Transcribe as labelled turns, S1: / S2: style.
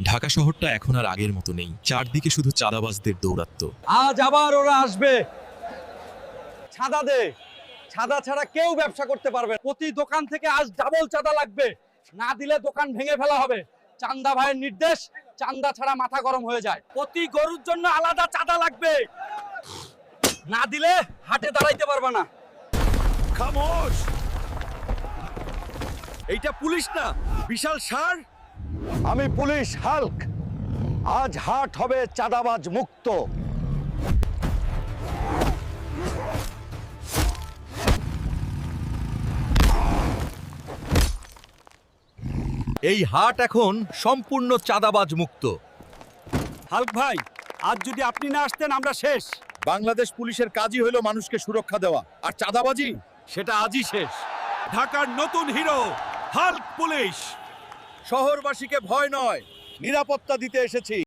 S1: ঢাকা শহরটা এখন আর আগের মতো নেই, চারদিকে শুধু চাঁদাবাজদের দৌরাত্ম্য।
S2: আজ আবার ওরা আসবে। ছাদা দে, ছাদা ছাড়া কেউ ব্যবসা করতে পারবে না। প্রতি দোকান থেকে আজ ডাবল চাঁদা লাগবে, না দিলে দোকান ভেঙে ফেলা হবে। চান্দা ভাইয়ের নির্দেশ, চান্দা ছাড়া মাথা গরম হয়ে যায়। প্রতি গরুর জন্য আলাদা চাঁদা লাগবে, না দিলে হাটে দাঁড়াইতে পারবে না।
S3: খামোশ! এইটা পুলিশ না, বিশাল ষাঁড়।
S2: আমি পুলিশ হাল্ক। আজ হাট হবে চাঁদাবাজ মুক্ত।
S3: এই হাট এখন সম্পূর্ণ চাঁদাবাজ মুক্ত।
S2: হাল্ক ভাই, আজ যদি আপনি না আসতেন আমরা শেষ।
S3: বাংলাদেশ পুলিশের কাজই হলো মানুষকে সুরক্ষা দেওয়া, আর চাঁদাবাজি
S2: সেটা আজই শেষ।
S3: ঢাকার নতুন হিরো হাল্ক পুলিশ। শহরবাসীকে ভয় নয়, নিরাপত্তা দিতে এসেছি।